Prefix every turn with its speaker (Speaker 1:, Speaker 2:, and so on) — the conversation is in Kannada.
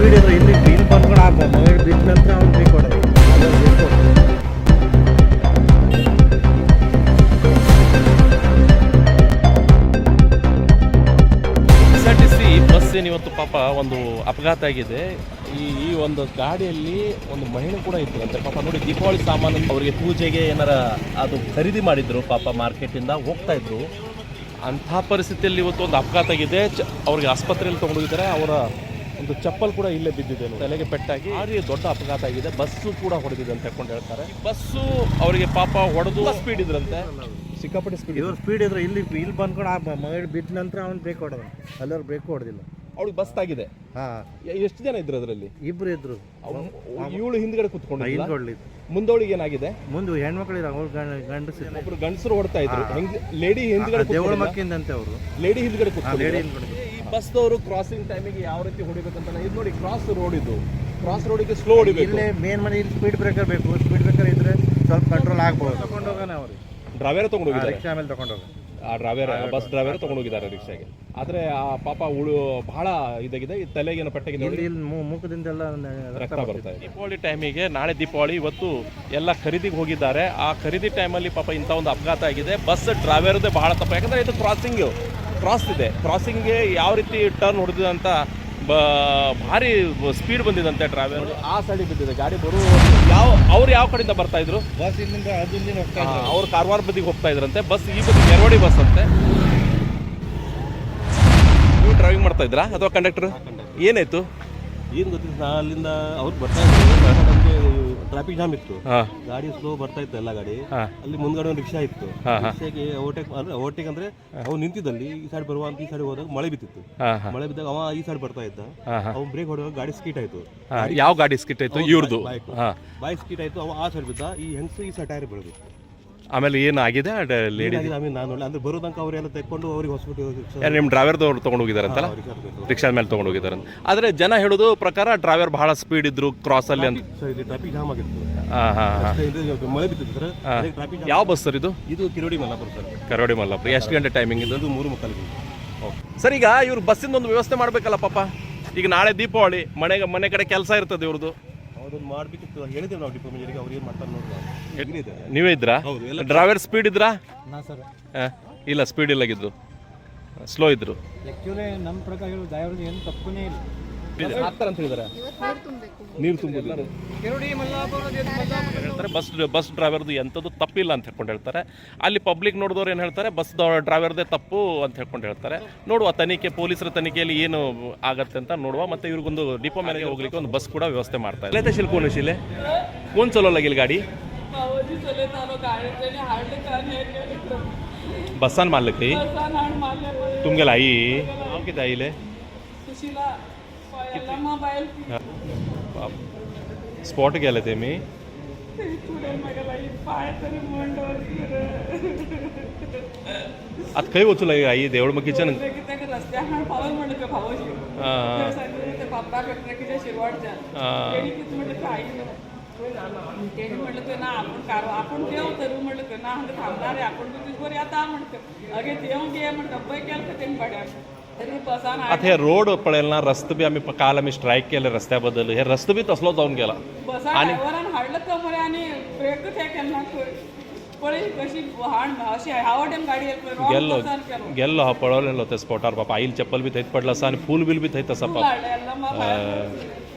Speaker 1: ಸ್ಪೀಡ್ ಇದ್ರೆ ಇಲ್ಲಿ ಬಂದ್ಕೊಂಡು ಆ ಮಳೆ ಬಿದ್ದ ನಂತರ ಅವ್ನು ಬೇಕು ಹೊಡೆದು
Speaker 2: SRTC ಬಸ್ ಇವತ್ತು ಪಾಪ ಒಂದು ಅಪಘಾತ ಆಗಿದೆ. ಈ ಒಂದು ಗಾಡಿಯಲ್ಲಿ ಒಂದು ಮಹಿಳೆ ಕೂಡ ಇದ್ರಂತೆ ಪಾಪ. ನೋಡಿ, ದೀಪಾವಳಿ ಸಾಮಾನು ಅವರಿಗೆ ಪೂಜೆಗೆ ಏನಾರ ಅದು ಖರೀದಿ ಮಾಡಿದ್ರು ಪಾಪ, ಮಾರ್ಕೆಟಿಂದ ಹೋಗ್ತಾ ಇದ್ರು. ಅಂಥ ಪರಿಸ್ಥಿತಿಯಲ್ಲಿ ಇವತ್ತು ಒಂದು ಅಪಘಾತ ಆಗಿದೆ. ಅವ್ರಿಗೆ ಆಸ್ಪತ್ರೆಯಲ್ಲಿ ತೊಗೊಂಡೋಗಿದ್ದಾರೆ. ಅವರ ಒಂದು ಚಪ್ಪಲ್ ಕೂಡ ಇಲ್ಲೇ ಬಿದ್ದಿದೆ, ತಲೆಗೆ ಪೆಟ್ಟಾಗಿ. ಭಾರಿ ದೊಡ್ಡ ಅಪಘಾತ ಆಗಿದೆ. ಬಸ್ಸು ಕೂಡ ಹೊಡೆದಿದೆ ಅಂತ ಹೇಳ್ಕೊಂಡು ಹೇಳ್ತಾರೆ. ಬಸ್ಸು ಅವರಿಗೆ ಪಾಪ ಹೊಡೆದು ಸ್ಪೀಡ್ ಇದ್ರಂತೆ, ಸಿಕ್ಕಾಪಟ್ಟೆ ಸ್ಪೀಡ್.
Speaker 1: ಇವ್ರು ಸ್ಪೀಡ್ ಇದ್ರೆ ಇಲ್ಲಿ ಬಂದ್ಕೊಂಡು ಆ ಮಳೆ ಬಿದ್ದ ನಂತರ ಅವ್ನು ಬ್ರೇಕ್ ಹೊಡೆದ. ಅಲ್ಲವ್ರು ಬ್ರೇಕ್ ಹೊಡೆದಿಲ್ಲ.
Speaker 2: ಅವಳಿಗೆ ಬಸ್ ತಾಗಿದೆ. ಎಷ್ಟು ಜನ ಇದ್ರು ಅದರಲ್ಲಿ?
Speaker 1: ಇಬ್ರು ಇದ್ರು.
Speaker 2: ಇವಳು ಹಿಂದ್ಗಡೆ ಕುತ್ಕೊಂಡು
Speaker 1: ಹಿಂದ್ಕೊಡ್ಲಿ.
Speaker 2: ಮುಂದೋಳಿಗೆ ಏನಾಗಿದೆ?
Speaker 1: ಮುಂದೆ ಹೆಣ್ಮಕ್ಳು ಅವ್ರು ಗಂಡಸರು.
Speaker 2: ಒಬ್ರು ಗಂಡಸರು ಹೊಡ್ತಾ ಇದ್ರು. ಲೇಡಿ ಹಿಂದ್ಗಡೆ
Speaker 1: ದೇವಳ ಮಕ್ಕಿಂದಂತೆ ಅವರು.
Speaker 2: ಲೇಡಿ ಹಿಂದ್ಗಡೆ ಕುತ್ಕೊಂಡು.
Speaker 1: ಲೇಡಿ ಹಿಂದ್ಗಡೆ.
Speaker 2: ಈ ಬಸ್ದವರು ಕ್ರಾಸಿಂಗ್ ಟೈಮಿಗೆ ಯಾವ ರೀತಿ ಹೊಡಿಬೇಕಂತ ಇದು ನೋಡಿ. ಕ್ರಾಸ್ ರೋಡ್ ಇದು. ಕ್ರಾಸ್ ರೋಡಿಗೆ ಸ್ಲೋ ಹೊಡಿಬೇಕು.
Speaker 1: ಇಲ್ಲೇ ಮೇನ್ ಮನೆ ಇಲ್ಲಿ ಸ್ಪೀಡ್ ಬ್ರೇಕರ್ ಬೇಕು. ಸ್ಪೀಡ್ ಬ್ರೇಕರ್ ಇದ್ರೆ ಸ್ವಲ್ಪ ಕಂಟ್ರೋಲ್ ಆಗ್ಬೋದು. ತಗೊಂಡೋಗೋಣ ಅವ್ರಿಗೆ.
Speaker 2: ಡ್ರೈವರ್ ತಗೊಂಡೋಗಿದ್ದಾರೆ.
Speaker 1: ರಿಕ್ಷಾ ಮೇಲೆ ತಗೊಂಡೋಗ.
Speaker 2: ಆ ಡ್ರೈವರ್, ಬಸ್ ಡ್ರೈವರ್ ತಗೊಂಡೋಗಿದ್ದಾರೆ ರಿಕ್ಷಾಗೆ. ಆದರೆ ಆ ಪಾಪ ಬಹಳ ಇದಾಗಿದೆ. ತಲೆಗೇನು ಪೆಟ್ಟಾಗಿದೆ.
Speaker 1: ಇಲ್ಲಿ ಮುಖದಿಂದೆಲ್ಲ
Speaker 2: ರಕ್ತ ಬರ್ತಾ ಇದೆ. ದೀಪಾವಳಿ ಟೈಮಿಗೆ, ನಾಳೆ ದೀಪಾವಳಿ, ಇವತ್ತು ಎಲ್ಲ ಖರೀದಿಗೆ ಹೋಗಿದ್ದಾರೆ. ಆ ಖರೀದಿ ಟೈಮಲ್ಲಿ ಪಾಪ ಇಂಥ ಒಂದು ಅಪಘಾತ ಆಗಿದೆ. ಬಸ್ ಡ್ರೈವರ್ದೇ ಬಹಳ ತಪ್ಪು. ಯಾಕಂದರೆ ಇದು ಕ್ರಾಸ್ ಇದೆ. ಕ್ರಾಸಿಂಗ್ಗೆ ಯಾವ ರೀತಿ ಟರ್ನ್ ಹೊಡೆದಿದೆ ಅಂತ ಭಾರಿ ಸ್ಪೀಡ್ ಬಂದಿದಂತೆ. ಡ್ರೈವರ್ ಆ ಸೈಡಿಗೆ ಬಿದ್ದಿದೆ. ಗಾಡಿ ಅವ್ರು ಯಾವ ಕಡೆಯಿಂದ ಬರ್ತಾ ಇದ್ರು?
Speaker 1: ಬಸ್ ಇಲ್ಲಿಂದ ಹೋಗ್ತಾ ಇದ್ರು.
Speaker 2: ಅವ್ರು ಕಾರವಾರ ಬದಿಗೆ ಹೋಗ್ತಾ ಇದ್ರಂತೆ. ಬಸ್ ಈ ಬದಿ ಮೆರವಡಿ ಬಸ್ ಅಂತೆ. ನೀವು ಡ್ರೈವಿಂಗ್ ಮಾಡ್ತಾ ಇದ್ರಾ ಅಥವಾ ಕಂಡಕ್ಟರ್? ಏನಾಯ್ತು?
Speaker 3: ಏನು ಗೊತ್ತಿಲ್ಲ, ನಾ ಅಲ್ಲಿಂದ ಅವ್ರು ಬರ್ತಾ ಇದ್ರು. ನಮಗೆ ಟ್ರಾಫಿಕ್ ಜಾಮ್ ಇತ್ತು. ಗಾಡಿ ಸ್ಲೋ ಬರ್ತಾ ಇತ್ತು ಎಲ್ಲ ಗಾಡಿ. ಅಲ್ಲಿ ಮುಂದ್ಗಡೆ ಒಂದು ರಿಕ್ಷಾ ಇತ್ತು. ರಿಕ್ಷಾಗೆ ಓವರ್ಟೇಕ್ ಅಂದ್ರೆ ಅವ್ನು ನಿಂತಿದ್ದಲ್ಲಿ ಈ ಸೈಡ್ ಬರುವ ಅಂತ ಈ ಸೈಡ್ ಹೋದಾಗ ಮಳೆ ಬಿತ್ತಿತ್ತು. ಮಳೆ ಬಿದ್ದಾಗ ಅವ ಈ ಸೈಡ್ ಬರ್ತಾ ಇದ್ದ. ಅವ್ನು ಬ್ರೇಕ್ ಹೊಡೆದಾಗ ಗಾಡಿ ಸ್ಕೀಟ್ ಆಯ್ತು.
Speaker 2: ಯಾವ ಗಾಡಿ ಸ್ಕಿಟ್ ಆಯ್ತು? ಇವ್ರದ್ದು
Speaker 3: ಬೈಕ್ ಸ್ಕೀಟ್ ಆಯ್ತು. ಅವ ಆ ಸೈಡ್ ಬಿದ್ದ. ಈ ಹೆಂಗಸು ಈ ಸೈಡ್ ಟೈರ್ ಬೆಳೆದು.
Speaker 2: ಆಮೇಲೆ ಏನಾಗಿದೆ? ಲೇಡಿ
Speaker 3: ನಾನು ನೋಡಿ ಅಂದ್ರೆ ಬರೋದಂಕ ಅವರೆಲ್ಲ ತೆಕ್ಕೊಂಡು ಅವ್ರಿಗೆ ಹಾಸ್ಪಿಟಲ್.
Speaker 2: ನಿಮ್ಮ ಡ್ರೈವರ್ದವ್ರು ತೊಗೊಂಡು ಹೋಗಿದಾರಂತಲ್ಲ, ರಿಕ್ಷಾದ ಮೇಲೆ ತೊಗೊಂಡು ಹೋಗಿದ್ದಾರೆ. ಆದರೆ ಜನ ಹೇಳೋದು ಪ್ರಕಾರ ಡ್ರೈವರ್ ಬಹಳ ಸ್ಪೀಡ್ ಇದ್ರು ಕ್ರಾಸಲ್ಲಿ ಅಂತ.
Speaker 3: ಟ್ರಾಫಿಕ್ ಜಾಮ್ ಆಗಿತ್ತು. ಮಳೆ ಬಿತ್ತಿತ್ತು ಸರ್. ಟ್ರಾಫಿಕ್.
Speaker 2: ಯಾವ ಬಸ್ ಸರ್ ಇದು?
Speaker 3: ಇದು ಕಿರೋಡಿ ಮಲ್ಲಾಪುರ ಸರ್.
Speaker 2: ಕರೋಡಿ ಮಲ್ಲಾಪುರ. ಎಷ್ಟು ಗಂಟೆ ಟೈಮಿಂಗ್ ಇದು?
Speaker 3: 3:45.
Speaker 2: ಸರ್, ಈಗ ಇವ್ರು ಬಸ್ಸಿಂದ ಒಂದು ವ್ಯವಸ್ಥೆ ಮಾಡಬೇಕಲ್ಲ ಪಾಪ. ಈಗ ನಾಳೆ ದೀಪಾವಳಿ, ಮನೆ ಕಡೆ ಕೆಲಸ ಇರ್ತದೆ ಇವ್ರದ್ದು.
Speaker 3: ಅದನ್ನು ಮಾಡಬೇಕಿತ್ತು. ಹೇಳಿದ್ದೇವೆ ನಾವು ಡಿಪಾರ್ಟ್ಮೆಂಟ್ಗೆ. ಅವ್ರು ಏನು ಮಾಡ್ತಾರೆ ನೋಡಿ.
Speaker 2: ನೀವೇ ಇದ್ರಾ? ಡ್ರೈವರ್ ಸ್ಪೀಡ್ ಇದ್ರಾ? ಇಲ್ಲ, ಸ್ಪೀಡ್ ಇಲ್ಲಾಗಿದ್ರು, ಸ್ಲೋ ಇದ್ರು.
Speaker 1: ಆ್ಯಕ್ಚುಲಿ ನಮ್ಮ ಪ್ರಕಾರ ಡ್ರೈವರ್ದು ಏನು ತಪ್ಪನೇ ಇಲ್ಲ.
Speaker 2: ಹಾಕ್ತಾರೆ ಅಂತ ಹೇಳಿದಾರೆ. ನೀರು ತುಂಬಿದ್ದಾರೆ ಹೇಳ್ತಾರೆ. ಬಸ್ ಡ್ರೈವರ್ದು ಎಂಥದ್ದು ತಪ್ಪಿಲ್ಲ ಅಂತ ಹೇಳ್ಕೊಂಡು ಹೇಳ್ತಾರೆ. ಅಲ್ಲಿ ಪಬ್ಲಿಕ್ ನೋಡಿದವ್ರು ಏನು ಹೇಳ್ತಾರೆ? ಬಸ್ ಡ್ರೈವರ್ದೇ ತಪ್ಪು ಅಂತ ಹೇಳ್ಕೊಂಡು ಹೇಳ್ತಾರೆ. ನೋಡುವ, ತನಿಖೆ, ಪೊಲೀಸರ ತನಿಖೆಯಲ್ಲಿ ಏನು ಆಗತ್ತೆ ಅಂತ ನೋಡುವ. ಮತ್ತು ಇವ್ರಿಗೊಂದು ಡಿಪೋ ಮೇಲೆ ಹೋಗ್ಲಿಕ್ಕೆ ಒಂದು ಬಸ್ ಕೂಡ ವ್ಯವಸ್ಥೆ ಮಾಡ್ತಾ ಇದೆ. लेते शिल कोण शिले कोण चालवला गेली गाडी? बसान मारलं काही तुम गेला आई नाव किती आईले? स्पॉट गेले ते मी आता काही वचू लागे आई देवळ मग किचन
Speaker 4: म्हटलं ना आपण देव करू म्हटलं ना थांबणार आहे आपण तुझवर आता म्हणतो अगे देव घे म्हणतो अब्बाई केलं का त्यांनी पड्या
Speaker 2: आता हे रोड पळेल ना, रस्ते बी आम्ही काल स्ट्राईक केले रस्त्याबद्दल. हे रस्ते बी तसलो जाऊन गेला
Speaker 4: आणि हाडलं कमरे आणि ब्रेकच हे केला पळे कशी हाण अशी हावडेन गाडी
Speaker 2: गेल्लो हा पळवलेलो त्या स्पॉटार बापा. आईल चप्पल बी थंयच पडला असा आणि फूल बिल बी थंय तसा